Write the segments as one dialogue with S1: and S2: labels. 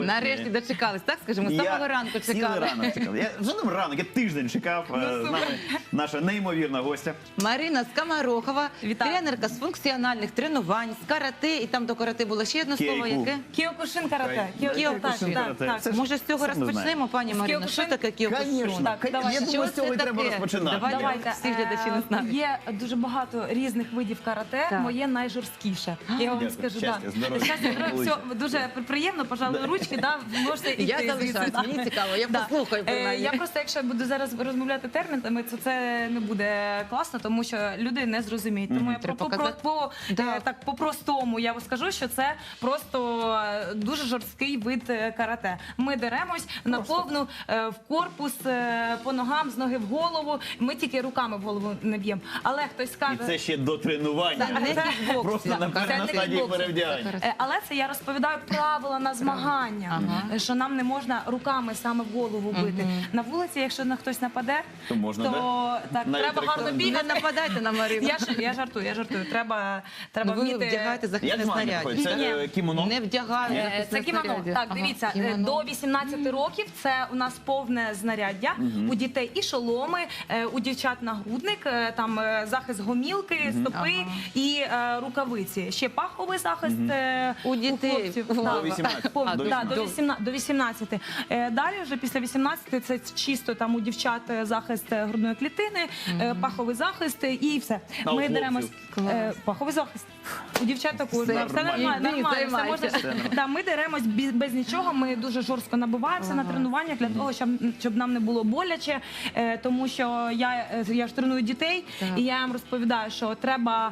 S1: Нарешті дочекались, так скажімо, з самого ранку
S2: Цілий
S1: чекали.
S2: ранок чекав. Я вже не ранок, я тиждень чекав. З нами наша неймовірна гостя.
S1: Марина Скоморохова,
S3: Вітаю.
S1: тренерка з функціональних тренувань, з карате, і там до карате було ще одне слово,
S2: Кейку.
S1: яке?
S3: Кіокушин карате.
S1: Кіокушин
S2: карате.
S3: Так,
S2: Це ж
S1: Може, з цього
S2: сам не знаю.
S1: розпочнемо, пані
S3: З
S1: Марина? Що
S3: Кіокушин?
S1: таке кіокушин?
S2: Конечно.
S3: Так, давайте.
S2: Я думаю, з цього і
S1: це
S2: треба
S1: таке?
S2: розпочинати.
S1: Давайте. Всі глядачі не знають.
S3: Є дуже багато різних видів карате,
S1: Так.
S3: моє найжорсткіше. Я вам
S2: Дякую.
S3: скажу,
S2: Щастя, здоров'я.
S3: Щастя, здоров'я, все дуже приємно, пожалуй, ручки, да, можете іти.
S1: Я
S3: звідси,
S1: залишаюсь,
S3: да.
S1: мені цікаво, я
S3: Да.
S1: послухаю принаймні.
S3: Я просто, якщо буду зараз розмовляти термінами, то це не буде класно, тому що люди не зрозуміють. Тому я
S1: Треба показати. Да.
S3: так по-простому я скажу, що це просто дуже жорсткий вид карате. Ми деремось на повну в корпус, по ногам, з ноги в голову. Ми тільки руками в голову не б'ємо. Але хтось
S2: І
S3: скаже...
S2: це ще до тренування.
S1: Не кікбоксинг.
S2: Просто на
S3: Це не
S2: стадії
S3: кікбоксинг.
S2: перевдягання.
S3: Але це я розповідаю правила на змагання, що нам не можна руками саме в голову бити. На вулиці, якщо на хтось нападе,
S2: То можна,
S3: то так,
S2: Навіть
S3: треба гарно
S2: рекомендую.
S1: Не
S3: бігати.
S1: нападайте на Марину.
S3: Я жартую. Треба
S1: Ну, ви
S3: вміти...
S1: вдягаєте
S2: Як
S1: захисне
S2: змагання
S1: снаряддя.
S2: проходить? Це
S3: Ні.
S2: кімоно?
S1: Не вдягають
S3: Це
S1: захисне
S3: кімоно.
S1: снаряддя.
S3: Так,
S1: Ага,
S3: дивіться,
S1: кімоно.
S3: до 18 років це у нас повне знаряддя. У дітей і шоломи, у дівчат нагрудник, там захист гомілки, стопи і рукавиці. Ще паховий захист
S1: У дітей.
S3: хлопців.
S1: До
S3: Так.
S2: 18.
S3: Так,
S2: До
S3: да,
S2: 18.
S3: до 18. Далі вже після 18 це чисто там у дівчат захист грудної клітини, паховий захист і все.
S2: А у
S3: Ми
S2: хлопців?
S3: деремось паховий захист. У дівчат також.
S1: Все
S3: Все
S2: нормально.
S3: нормально,
S1: Йди,
S3: все
S1: займайся.
S3: можна.
S2: Все нормально.
S3: Да, ми деремось без нічого, ми дуже жорстко набиваємося на тренуваннях для того, щоб нам не було боляче, тому що я ж треную дітей,
S1: Так.
S3: і я їм розповідаю, що треба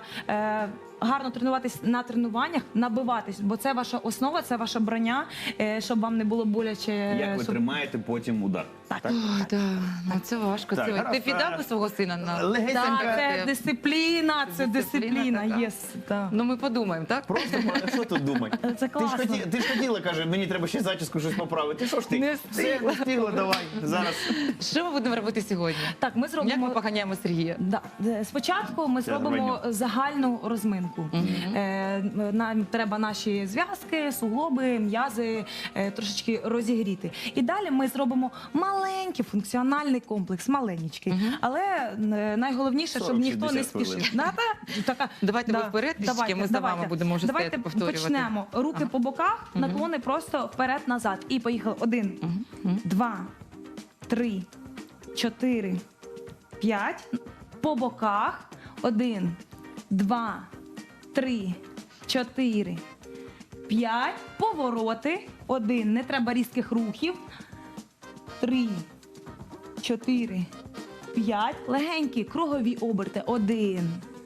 S3: гарно тренуватись на тренуваннях, набиватись, бо це ваша основа, це ваша броня, щоб вам не було боляче.
S2: Як ви
S3: щоб-
S2: тримаєте потім удар?
S3: Так.
S1: Ой, да. Ну, це важко.
S2: Так,
S1: Це-
S2: гаразд,
S1: Ти піддав би свого сина на
S2: Легесенька.
S3: Так, це
S1: Це
S3: дисципліна, це
S1: дисципліна
S3: дисципліна,
S1: така.
S3: єс. так.
S1: Ну ми подумаємо, так?
S2: Просто що тут думати?
S3: Це класно.
S2: Ти ж хотіла, каже, мені треба ще зачіску щось поправити. Що ж ти?
S1: Не
S2: Все, не встигла, давай. Зараз.
S1: Що ми будемо робити сьогодні?
S3: Так, ми
S1: Як
S3: зробимо...
S1: ми поганяємо Сергія?
S3: Да. Спочатку ми зробимо загальну розминку. Нам треба наші зв'язки, суглоби, м'язи трошечки розігріти. І далі ми зробимо маленький функціональний комплекс, маленький. Але найголовніше, щоб ніхто не
S2: 40-60 хвилин.
S3: спішив. Така,
S1: Давайте ви вперед трішки, ми за вами будемо вже
S3: Давайте
S1: стояти, повторювати.
S3: почнемо. Руки по боках, наклони просто вперед-назад. І поїхали. 1, 2, 3, 4, 5. По боках. 1, 2, 3, 4, 5. Повороти. 1. Не треба різких рухів. 3, 4, 5. Легенькі кругові оберти. 1,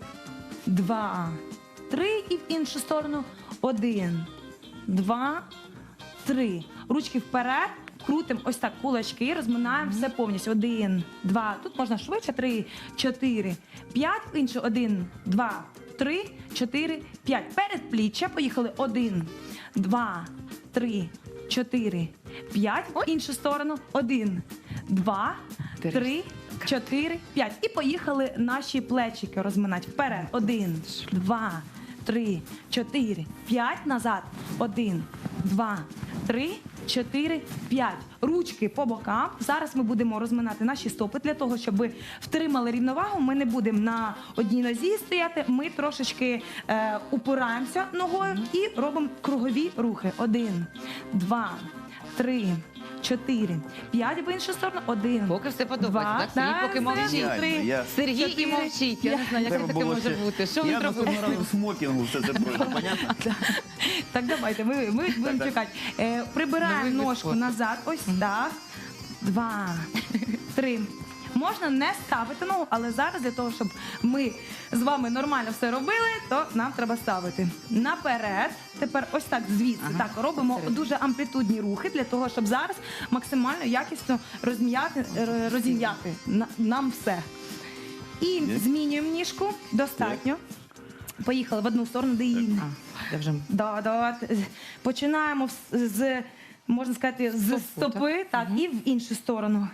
S3: 2, 3. І в іншу сторону. 1, 2, 3. Ручки вперед. Крутимо ось так кулачки, розминаємо все повністю. 1, 2. Тут можна швидше. 3, 4, 5. Інше. 1, 2, 3, 4, 5. Передпліччя. Поїхали. 1, 2, 3, 4, 5. В іншу сторону. 1, 2, 3, 4, 5. І поїхали наші плечики розминати. Вперед. 1, 2, 3, 4, 5. Назад. 1, 2, 3, 4, 5. Ручки по бокам. Зараз ми будемо розминати наші стопи для того, щоб ви втримали рівновагу. Ми не будемо на одній нозі стояти. Ми трошечки упираємося ногою і робимо кругові рухи. 1, 2, 3, 4, 5. В іншу сторону. 1,
S1: Поки все подобається, так? Сергій поки мовчить.
S2: Я-
S1: Сергій і
S3: 4,
S1: мовчить. Я не знаю, як
S2: Треба
S1: це таке
S2: було
S1: може
S2: ще-
S1: бути. Що він
S2: Я
S1: робив?
S2: наступного разу в смокінгу все це пройду, понятно?
S3: Так, давайте, ми будемо чекати. Прибираємо
S1: Новий вид
S3: ножку
S1: спорту.
S3: назад, ось так. 2, 3. Можна не ставити ногу, але зараз для того, щоб ми з вами нормально все робили, то нам треба ставити наперед. Тепер ось так звідси. Так, робимо
S1: всередину.
S3: дуже амплітудні рухи для того, щоб зараз максимально якісно розім'яти нам все. І змінюємо ніжку. Достатньо. Поїхали в одну сторону, де іншу.
S1: Я вже...
S3: Да. Починаємо можна сказати, з стопи, так, і в іншу сторону.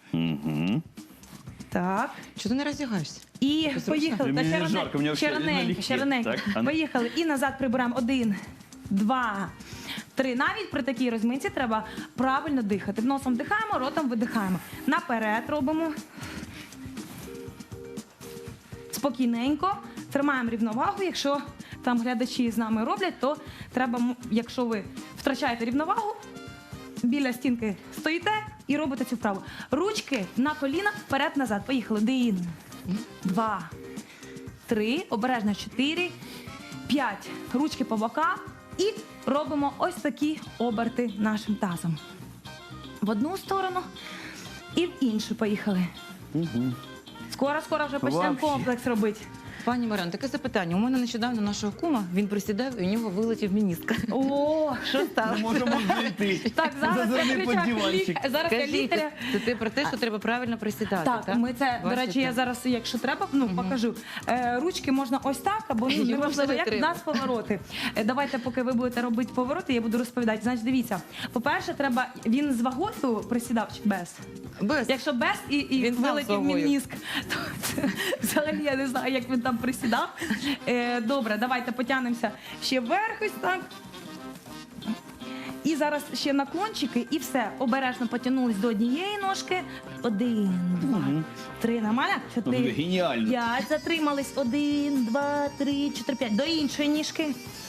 S3: Так.
S1: Чого ти не роздягаєшся?
S3: І поїхали.
S2: Мені
S3: Та
S2: не жарко, мені взагалі
S3: ще раненько,
S2: налегке.
S3: ще раненько.
S2: Так, а ну.
S3: Поїхали. І назад прибираємо. 1, 2, 3. Навіть при такій розминці треба правильно дихати. Носом вдихаємо, ротом видихаємо. Наперед робимо. Спокійненько. Тримаємо рівновагу. Якщо там глядачі з нами роблять, то треба, якщо ви втрачаєте рівновагу, біля стінки стоїте і робите цю вправу. Ручки на колінах, вперед-назад. Поїхали. 1, 2, 3, обережно 4, 5. Ручки по бокам і робимо ось такі оберти нашим тазом. В одну сторону і в іншу. Поїхали. Скоро вже почнемо
S2: Вообще.
S3: комплекс робити.
S1: Пані Мар'яно, таке запитання. У мене нещодавно нашого кума, він присідав і у нього вилетів міністк.
S3: О, що
S2: Не
S3: стало?
S2: можемо знайти.
S3: Так, зараз я
S2: Зазирни під
S3: включаю
S2: диванчик.
S3: зараз я
S1: Скажіть,
S3: лікаря.
S1: це про те, що треба правильно присідати, так?
S3: Так, ми це, до
S1: Бачите?
S3: речі, я зараз, якщо треба, покажу. Ручки можна ось так, або
S1: Його
S3: неважливо,
S1: вже
S3: як
S1: треба.
S3: в нас повороти. Давайте, поки ви будете робити повороти, я буду розповідати. Значить, дивіться, по-перше, треба, він з вагою присідав чи без?
S1: Без.
S3: Якщо без і
S1: Він сам з
S3: вилетів
S1: вагою.
S3: мініск, то це, взагалі я не знаю, як він там присідав. Добре, давайте потягнемося ще вверх ось так. І зараз ще наклончики, і все. Обережно потягнулись до однієї ножки. 1, 2, 3. Нормально? 4,
S2: Геніально.
S3: 5. Затримались. 1, 2, 3, 4, 5. До іншої ніжки.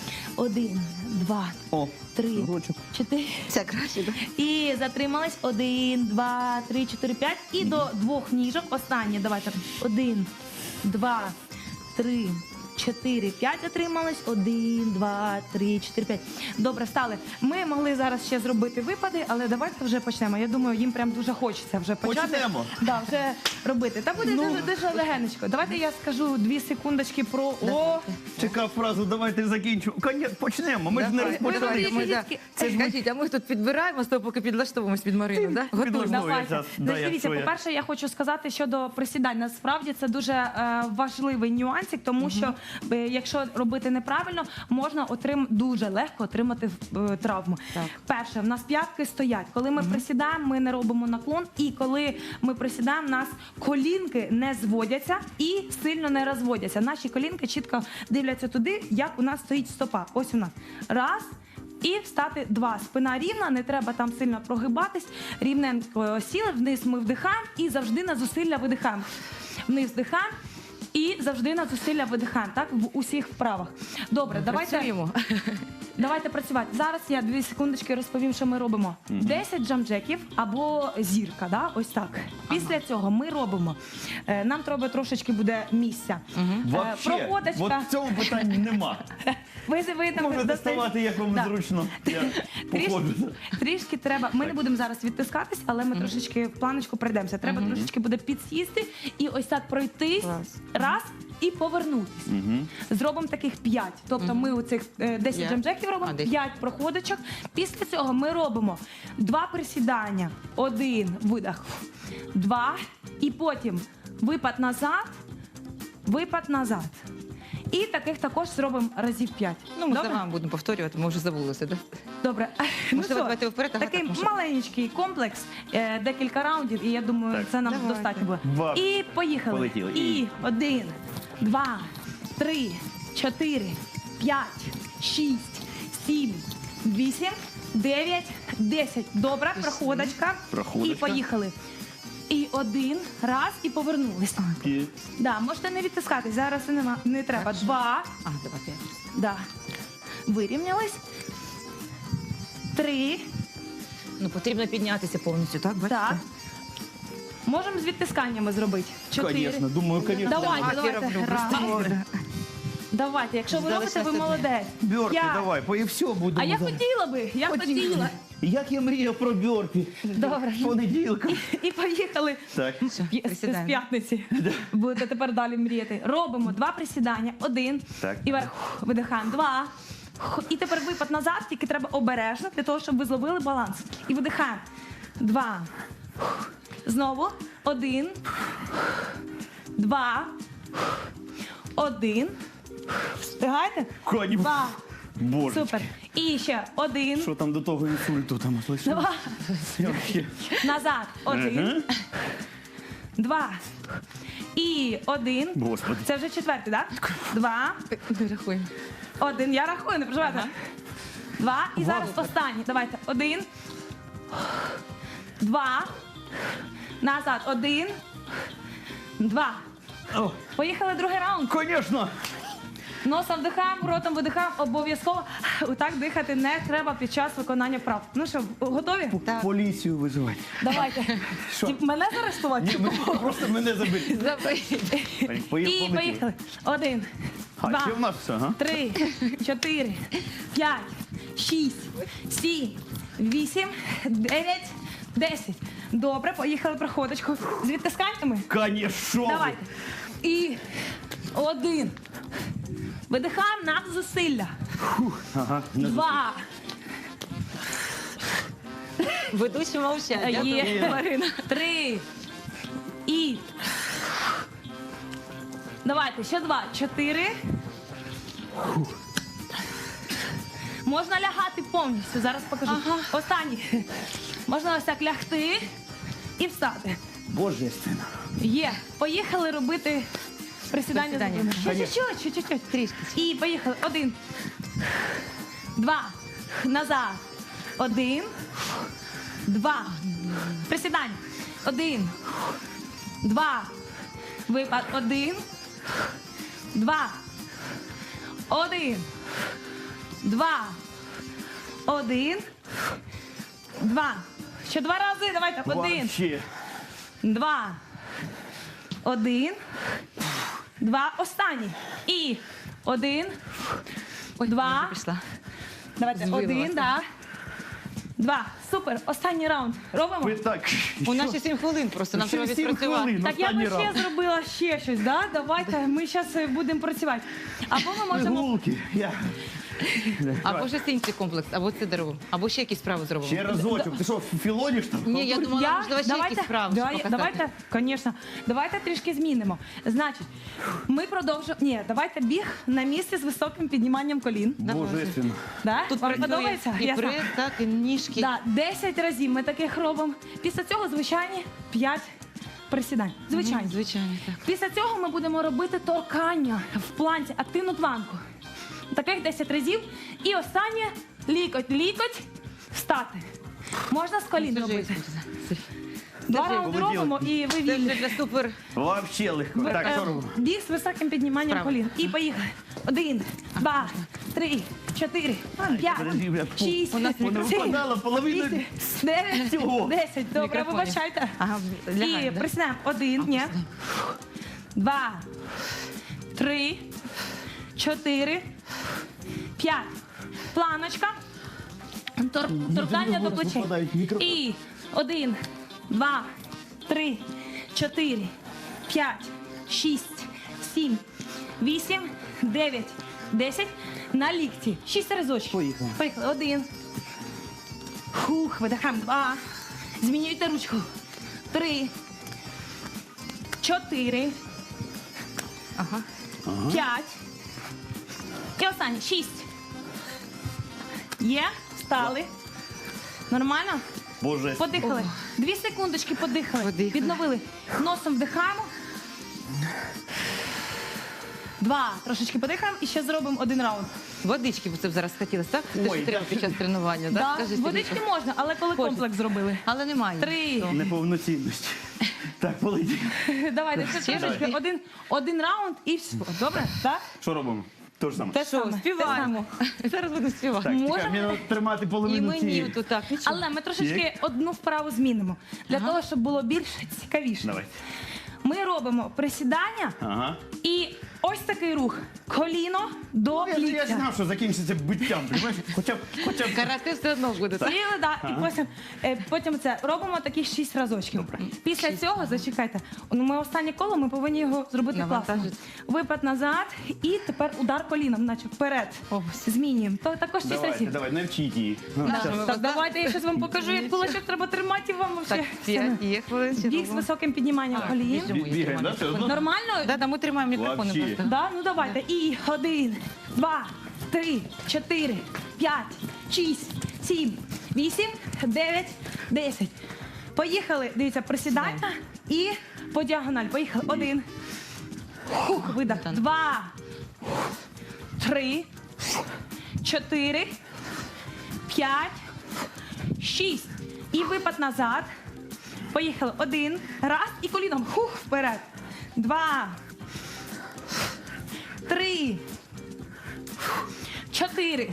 S3: 1, 2,
S2: О,
S3: 3,
S2: ручок.
S3: 4.
S1: Це краще, так?
S3: І затримались. 1, 2, 3, 4, 5. І до двох ніжок. Останнє. Давайте. 1, 2, 3, 4, 5 затримались. 1, 2, 3, 4, 5. Добре, встали. Ми могли зараз ще зробити випади, але давайте вже почнемо. Я думаю, їм прям дуже хочеться вже почати.
S2: Почнемо.
S3: Да, вже робити. Та буде дуже легенечко. Давайте я скажу 2 секундочки про о.
S2: Чекав фразу, давайте закінчимо. Почнемо, ми ж не
S1: Давай,
S2: розпочали.
S3: ви
S1: да.
S3: дітки.
S1: Це ж скажіть, а ми тут підбираємо з того, поки підлаштовуємось під Марину, так? Готуємо.
S2: підлаштовуємо.
S3: Давайте.
S2: зараз, да,
S3: Значить,
S2: я
S3: дивіться,
S2: своє.
S3: по-перше, я хочу сказати щодо присідань. Насправді це дуже важливий нюансик, тому що якщо робити неправильно, можна дуже легко отримати травму.
S1: Так.
S3: Перше, в нас п'ятки стоять. Коли ми присідаємо, ми не робимо наклон, і коли ми присідаємо, в нас колінки не зводяться і сильно не розводяться. Наші колінки чітко дивляться туди, як у нас стоїть стопа. Ось у нас. Раз. І встати 2. Спина рівна, не треба там сильно прогибатись. Рівненько сіли, вниз ми вдихаємо і завжди на зусилля видихаємо. Вниз вдихаємо і завжди на зусилля видихаємо. Так, в усіх вправах. Добре,
S1: Працюємо.
S3: давайте працювати. Зараз я 2 секундочки розповім, що ми робимо. 10 джамджеків або зірка, да? Ось так. Після цього ми робимо. Нам треба трошечки буде місця.
S2: Вообще, от
S3: Проходочка.
S2: в цьому питанні нема.
S3: Ви там
S2: Можете
S3: достаєте-
S2: ставати, як вам
S3: Да.
S2: зручно. Я походжу.
S3: Трішки треба. Ми не будемо зараз відтискатись, але ми трошечки в планочку пройдемося. Треба трошечки буде підсісти і ось так пройтись
S1: Клас.
S3: раз і повернутись. Зробимо таких 5. Тобто ми у цих 10
S1: Я.
S3: джамджеків робимо,
S1: 10.
S3: 5 проходочок. Після цього ми робимо 2 присідання, 1 видих, 2 і потім випад назад. І таких також зробимо разів 5.
S1: Ну, ми за вами будемо повторювати, ми вже забулися, так?
S3: Добре.
S1: Можливо, давайте вперед, ага,
S3: такий
S1: так, може.
S3: маленький комплекс, декілька раундів, і я думаю,
S2: Так.
S3: це нам
S1: Давайте.
S3: достатньо буде.
S2: Два.
S3: І поїхали.
S2: Полетіли.
S3: І 1, 2, 3, 4, 5, 6, 7, 8, 9, 10. Добре, проходочка.
S2: Проходочка.
S3: І поїхали. І 1, раз, і повернулись. Да, можете не відтискатись, зараз не треба. 2,
S1: А, давай 5.
S3: да. Вирівнялись. 3,
S1: Ну, потрібно піднятися повністю, так? Бачите?
S3: так. Можемо з відтисканнями зробити. 4.
S2: Звісно, думаю, звісно.
S3: Давайте,
S1: Так, я роблю просто.
S3: Раз. Давайте, якщо ви робите, ви
S1: Залишилося
S3: молодець.
S2: Бьорпі,
S3: 5.
S2: давай, і все буде.
S3: А я хотіла би, хотіла.
S2: Як я мріяв про бьорпі.
S3: Добре.
S2: Понеділка.
S3: І поїхали.
S2: Так.
S3: З
S1: присідаємо.
S3: п'ятниці. Будете тепер далі мріяти. Робимо 2 присідання. 1.
S2: Так.
S3: І вверх. Видихаємо. 2. І тепер випад назад, тільки треба обережно, для того, щоб ви зловили баланс. І видихаємо. 2. Знову. 1. 2. 1. Встигаєте?
S2: Коні.
S3: 2.
S2: Боже.
S3: Супер. І ще 1.
S2: Що там до того інсульту там лишилось?
S3: 2.
S2: Я вообще-
S3: Назад. 1. 2. І 1.
S2: Господи.
S3: Це вже четвертий, так? 2.
S1: Не рахуємо.
S3: 1. Я рахую, не переживайте. 2. І зараз останній. Давайте. 1, 2. Назад. 1, 2.
S2: О,
S3: Поїхали другий раунд.
S2: Конечно!
S3: Носом вдихаємо, ротом видихаємо. Обов'язково отак дихати не треба під час виконання вправ. Ну що, готові?
S1: Так.
S2: Поліцію визивати.
S3: Давайте.
S2: Що?
S3: Мене заарештувати?
S2: Просто мене забили.
S3: І
S2: Поїхали.
S3: поїхали. 1,
S2: А,
S3: 2,
S2: ще в нас все, ага.
S3: 3, 4, 5, 6, 7, 8, 9, 10. Добре, поїхали проходочку. З відтисканнями.
S2: Конечно!
S3: Давайте. І 1. Видихаємо над зусилля.
S2: Ага.
S3: 2.
S1: Ведучі мовчать.
S3: Є, Марина. 3. І. Давайте, ще 2. 4. Можна лягати повністю. Зараз покажу. Останній. Можна ось так лягти і встати.
S2: Божественно.
S3: Є. Поїхали робити присідання.
S1: Присідання.
S3: Ще чуть-чуть.
S1: Трішки.
S3: І поїхали. 1, 2, назад. 1, 2. Присідання. 1, 2. Випад. 1, 2. 1, 2. 1, 2. Ще 2 рази. Давайте. 1,
S2: Вообще.
S3: 2, 1, 2. Останній. І 1,
S1: Ой,
S3: 2.
S1: я вже пішла.
S3: Давайте.
S1: Збила
S3: 1,
S1: вас.
S3: да. 2. Супер. Останній раунд. Робимо?
S2: Ви так.
S1: У нас ще 7 хвилин просто, нам треба
S2: Ще 7
S1: відпрацювати.
S2: хвилин.
S3: Так я би
S2: Останній
S3: ще
S2: раунд.
S3: зробила ще щось, да? Давайте ми зараз будемо працювати. Або ми можемо.
S2: Гулки.
S1: Або ж інший комплекс, або це дерево, або ще якісь справи зробимо.
S2: Ще разочок. Ти що, філониш там?
S1: Ні, я думала, можливо, ще якісь справи показати.
S3: Давайте, звісно, давайте трішки змінимо. Значить, ми продовжуємо. Ні, давайте біг на місці з високим підніманням колін.
S2: Божественно.
S3: Да?
S1: Тут
S3: Вам
S1: працює
S3: подобається?
S1: і
S3: Я
S1: прес,
S3: знаю.
S1: так, і ніжки.
S3: Да, 10 разів ми таких робимо. Після цього звичайні 5 присідань. Звичайні.
S1: Звичайно, так.
S3: Після цього ми будемо робити торкання в планці, активну планку. Таких 10 разів. І останнє лікоть, лікоть, встати. Можна з колін робити. Два
S1: вже
S3: раунди
S2: полетіли.
S3: робимо і ви
S1: Це
S3: вільні.
S1: вже для супер.
S2: Вообще легко. Так, що робимо?
S3: Біг з високим підніманням
S1: Вправо.
S3: колін. І поїхали. 1, 2, 3, 4, 5,
S2: Подожди, бля,
S3: 6,
S1: у нас
S3: 7,
S2: випадало половину
S3: 8, 9,
S2: цього.
S3: 10. Добре,
S1: Мікрофонів.
S3: вибачайте.
S1: Ага,
S3: І
S1: лягаємо, да?
S3: присідаємо. 1, ні. 2, 3, 4, 5. Планочка. Торкання до плечей.
S2: випадають мікрофони.
S3: І 1, 2, 3, 4, 5, 6, 7, 8, 9, 10. На лікті. 6 разочків.
S2: Поїхали.
S3: Поїхали. 1. Хух, видихаємо. 2. Змінюйте ручку. 3. 4.
S1: Ага.
S3: 5. І останнє. 6. Є? Встали. Нормально?
S2: Божественно.
S3: Подихали. 2 секундочки подихали.
S1: Подихали.
S3: Відновили. Носом вдихаємо. 2. Трошечки подихаємо і ще зробимо 1 раунд.
S1: Водички ви це б зараз хотілося, так? Те,
S2: Ой,
S1: що треба під час тренування,
S3: Да,
S1: так? Скажіть,
S3: водички
S1: Сергійко.
S3: можна, але коли
S1: Хочеться.
S3: комплекс зробили.
S1: Але немає.
S3: 3.
S1: То.
S2: Неповноцінності. Так, полетів.
S3: Давайте ще
S1: Ще
S3: трошечки. Один раунд і все. Добре? Так?
S2: Що робимо? То ж саме.
S1: Та що,
S3: саме.
S1: співаємо. Зараз будемо співати.
S2: Так,
S3: Можемо?
S2: чекай, мені треба тримати
S1: І
S2: половину
S1: мені
S2: цієї.
S1: тут так, нічого.
S3: Але ми трошечки
S2: Як?
S3: одну вправу змінимо. Для того, щоб було більш цікавіше.
S2: Давай.
S3: Ми робимо присідання
S2: Ага.
S3: і ось такий рух. Коліно до
S2: Я
S3: ліктя.
S2: знав, що закінчиться биттям, розумієш? Хоча б
S1: Карате все одно буде. Так?
S3: Сіли, да, і потім це робимо такі 6 разочків. Після цього, зачекайте, ми останнє коло, ми повинні його зробити класно.
S1: Навантажити.
S3: Випад назад і тепер удар коліном, наче вперед. Змінюємо. То також 6
S2: давайте,
S3: разів.
S2: давай, навчіть її. Ну,
S1: Да.
S2: щас.
S3: Так, давайте я щось вам покажу, як кулачок треба тримати і вам
S1: Так,
S3: взагалі.
S1: 5 є хвилин. ще
S3: Біг з
S1: робимо.
S3: високим підніманням
S1: А,
S3: колін.
S1: біжимо, я
S2: Бігаємо,
S1: тримаю
S2: да, все одно?
S3: Нормально?
S1: Да, ми тримаємо мікрофони
S2: Вообще.
S1: просто.
S3: Да? Ну давайте. І 1, 2, 3, 4, 5, 6, 7, 8, 9, 10. Поїхали. Дивіться, присідання і по діагональ. Поїхали. 1. Хух, видах. 2, 3, 4, 5, 6. І випад назад. Поїхали. 1. Раз. І коліном. Хух, вперед. 2. 3. 4.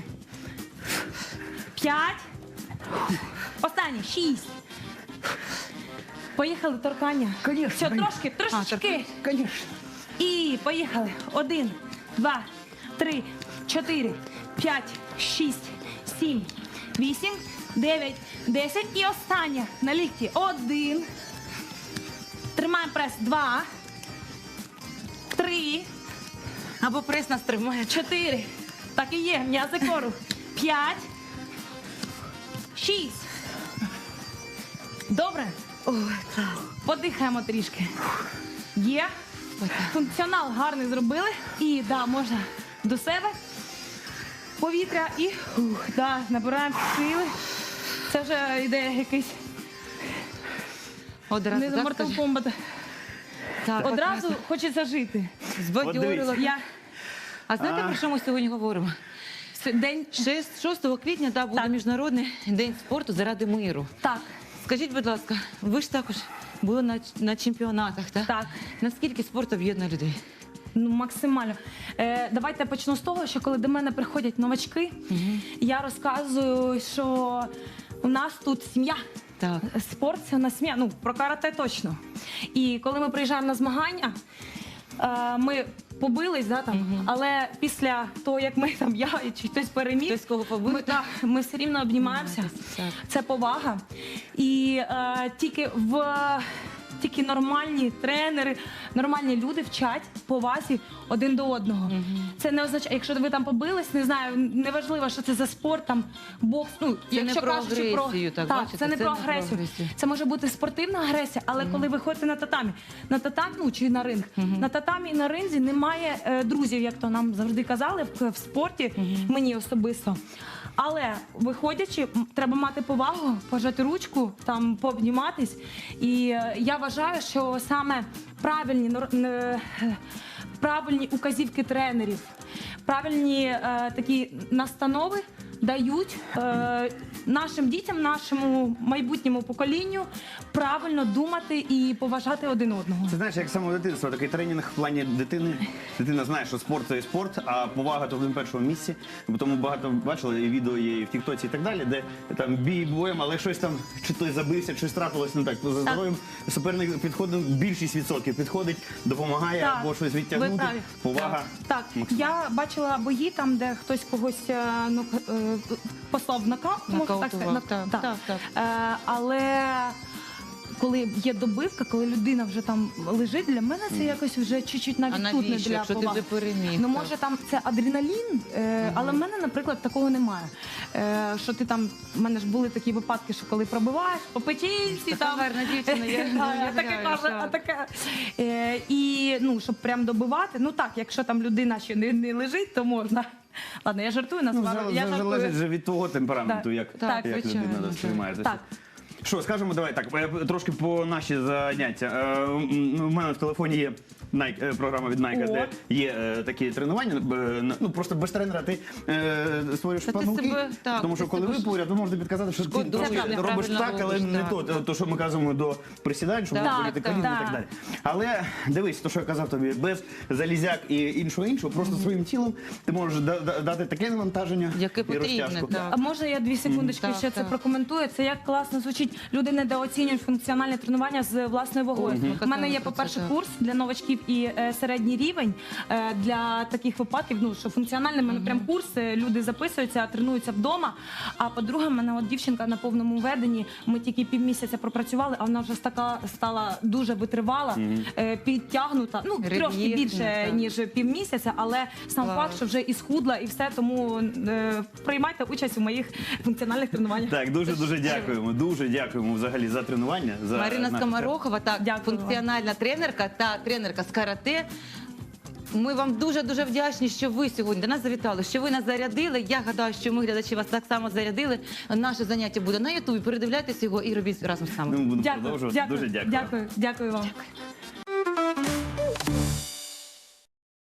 S3: 5. Останнє. 6. Поїхали, торкання. Все, трошки, трошечки.
S2: Конечно.
S3: І поїхали. 1, 2, 3, 4, 5, 6, 7, 8, 9, 10. І останнє на лікті. 1. Тримаємо прес. 2, 3,
S1: Або прес нас тримає.
S3: 4. Так і є. М'язи кору. 5, 6. Добре?
S1: Ой, клас.
S3: Подихаємо трішки. Є. Функціонал гарний зробили. І да, можна до себе. Повітря і набираємо сили. Це вже йде якийсь
S1: Одразу,
S3: не
S1: так,
S3: Mortal
S1: скажи?
S3: Kombat.
S1: Так,
S3: Одразу
S1: так,
S3: хочеться жити.
S1: збадьорила.
S3: Я
S1: А знаєте, про що ми сьогодні говоримо?
S3: день
S1: 6 квітня буде
S3: Так.
S1: Міжнародний день спорту заради миру.
S3: так.
S1: Скажіть, будь ласка, ви ж також були на чемпіонатах, так?
S3: Так.
S1: Наскільки спорт об'єднує людей?
S3: Ну, максимально. Давайте я почну з того, що коли до мене приходять новачки, я розказую, що у нас тут сім'я.
S1: Так.
S3: Спорт це на сім'я. Ну, про карате точно. І коли ми приїжджаємо на змагання, ми побились, да, там, але після того, як ми там, я чи хтось переміг,
S1: Хтось кого побив?
S3: ми все рівно обнімаємося.
S1: Так.
S3: Це повага. І тільки нормальні тренери, нормальні люди вчать повазі один до одного. Це не означає, якщо ви там побились, не знаю, неважливо, що це за спорт, там бокс. Ну,
S1: Це
S3: якщо
S1: не про
S3: кажучи
S1: агресію, так, бачите,
S3: це не
S1: це
S3: про
S1: не про
S3: агресію.
S1: агресію.
S3: Це може бути спортивна агресія, але коли ви ходите на татамі, ну чи на ринг, на татамі і на ринзі немає друзів, як то нам завжди казали в спорті, мені особисто. Але виходячи, треба мати повагу, пожати ручку, там пообніматись. І я вважаю, що саме правильні указівки тренерів, правильні такі настанови дають нашим дітям, нашому майбутньому поколінню правильно думати і поважати один одного.
S2: Це знаєш, як з самого дитинства, такий тренінг в плані дитини. Дитина знає, що спорт це і спорт, а повага то в першому місці. Бо тому багато бачили і відео є і в Тіктоці і так далі, де там бій боєм, але щось там, чи той забився, щось трапилось не так. За здоров'ям суперник підходить, більшість відсотків підходить, допомагає
S3: Так,
S2: або щось
S3: ви
S2: відтягнути.
S3: праві.
S2: Повага.
S3: Так, я бачила бої там, де хтось когось послав в нокаут, можна так
S1: Нокаутував,
S3: сказати.
S1: так, так.
S3: Але коли є добивка, коли людина вже там лежить, для мене це якось вже чуть-чуть
S1: А
S3: навіть тут не
S1: навіщо,
S3: для
S1: якщо ти
S3: поваги.
S1: вже переміг?
S3: Ну,
S1: так?
S3: може, там це адреналін, але в мене, наприклад, такого немає. Що ти там, в мене ж були такі випадки, що коли пробиваєш, по печінці,
S1: Така
S3: там.
S1: гарна дівчина, я не
S3: А таке
S1: уявляю,
S3: каже,
S1: так.
S3: а таке. І, ну, щоб прям добивати, ну так, якщо там людина ще не лежить, то можна. Ладно, я жартую,
S2: Ну,
S3: насправді. Я
S2: залежить
S3: жартую.
S2: же від твого темпераменту,
S3: Так,
S2: як,
S3: так,
S2: як
S1: звичайно,
S2: людина
S1: так.
S2: сприймає це.
S3: Так.
S2: Що, скажемо, давай так, трошки по наші заняття. У мене в телефоні є Nike, програма від Nike,
S3: О.
S2: де є такі тренування. Ну просто без тренера ти створюєш
S1: Та ти
S2: помилки.
S1: себе, так,
S2: Тому що
S1: ти
S2: коли
S1: себе
S2: ви
S1: ж
S2: поряд, ви можете підказати, що ти
S1: шкодуєш,
S2: трошки робиш
S1: неправильно
S2: так, але
S1: робиш,
S2: не
S1: так.
S2: то, що ми казуємо до присідань, щоб
S3: Так,
S2: боліти
S3: так,
S2: коліна і
S3: так.
S2: так далі. Але дивись, то, що я казав тобі, без залізяк і іншого, просто своїм тілом ти можеш дати таке навантаження
S1: Яке
S2: і
S1: потрібне,
S2: розтяжку.
S1: так.
S3: А може я 2 секундочки
S1: Так,
S3: ще це
S1: так.
S3: прокоментую? Це як класно звучить. Люди недооцінюють функціональне тренування з власною вагою. У мене є,
S1: Казали про
S3: по-перше,
S1: це, так.
S3: курс для новачків і середній рівень для таких випадків. Ну що функціональний в мене прям курс. Люди записуються, тренуються вдома. А по-друге, в мене от дівчинка на повному веденні. Ми тільки півмісяця пропрацювали, а вона вже така стала дуже витривала, підтягнута. Ну трошки
S1: Рельєфна,
S3: більше
S1: так.
S3: ніж півмісяця, але сам
S1: Клас.
S3: факт, що вже і схудла, і все, тому приймайте участь у моїх функціональних тренуваннях.
S2: Так, дуже дякуємо. Дуже дякуємо взагалі за тренування. За
S1: Марина
S2: наш
S1: Скоморохова, так,
S3: Дякую
S1: функціональна тренерка та тренерка з карате. Ми вам дуже-дуже вдячні, що ви сьогодні до нас завітали, що ви нас зарядили. Я гадаю, що ми, глядачі, вас так само зарядили. Наше заняття буде на Ютубі. Передивляйтесь його і робіть разом з нами.
S2: Ми будемо
S3: Дякую,
S2: продовжувати. Дуже дякую.
S3: дякую вам.